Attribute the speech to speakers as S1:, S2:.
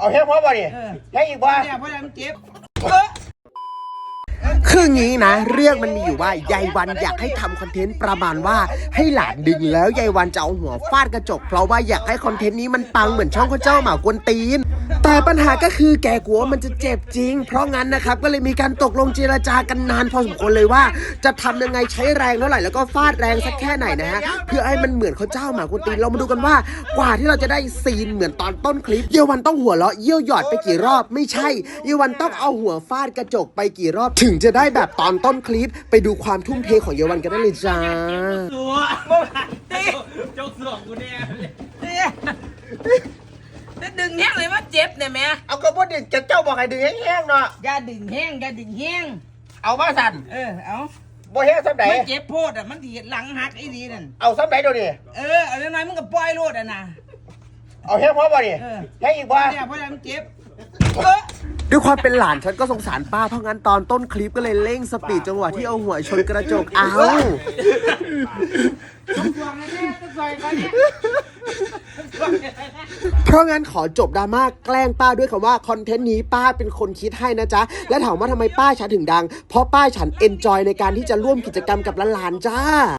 S1: เอาแห้งพอบ่ดิแห้งอีกบ่
S2: เนี่ยเพราะมันเจ็บ
S3: คืองี้นะเรื่องมันมีอยู่ว่ายายวันอยากให้ทำคอนเทนต์ประมาณว่าให้หลานดึงแล้วยายวันจะเอาหัวฟาดกระจกเพราะว่าอยากให้คอนเทนต์นี้มันปังเหมือนช่องข้าเจ้าหมากวนตีนแต่ปัญหาก็คือแกกลัวมันจะเจ็บจริงเพราะงั้นนะครับก็เลยมีการตกลงเจรจากันนานพอสมควรเลยว่าจะทำยังไงใช้แรงเท่าไหร่แล้วก็ฟาดแรงสักแค่ไหนนะฮะเพื่อให้มันเหมือนข้าเจ้าหมากวนตีนเรามาดูกันว่ากว่าที่เราจะได้ซีนเหมือนตอนต้นคลิปเยาวันต้องหัวเราะเยี่ยวหยอดไปกี่รอบไม่ใช่เยาวันต้องเอาหัวฟาดกระจกไปกี่รอบถึงจะได้แบบตอนต้นคลิปไปดูความทุ่มเทของเยาวันกันได้เลยจ้า
S2: สัวตีโจ๊กสองกูเนี่ยจะดึงแห้งเลยว่าเจ็บเนี่ยแม่
S1: เอากระบอกดึงเจ้าบอกให้ดึงแห้งๆเนาะ
S2: อย่าดึงแห้งอย่าดึงแห้ง
S1: เอามาสั่น
S2: เอา
S1: บ่แห้งซ้ำไหน
S2: มันเจ็บโพดมันดีหลังหักไอ้ดีนั่น
S1: เอาซ้ำไหนเดี๋ยวนี้
S2: เอาเล็กน้อยมึงก็ปล่อยโลดนะ
S1: เอาแห้งพอบ่ดิแห้งอีกบ่
S2: เนี่ยเพราะมันเจ็บ
S3: ด้วยความเป็นหลานฉันก็สงสารป้าเพราะงั้นตอนต้นคลิปก็เลยเร่งสปีดจังหวะที่เอาหัวชนกระจกเพราะงั้นขอจบดราม่าแกล้งป้าด้วยคำว่าคอนเทนต์นี้ป้าเป็นคนคิดให้นะจ๊ะและถามว่าทำไมป้าฉันถึงดังเพราะป้าฉันเอนจอยในการที่จะร่วมกิจกรรมกับหลานๆจ้า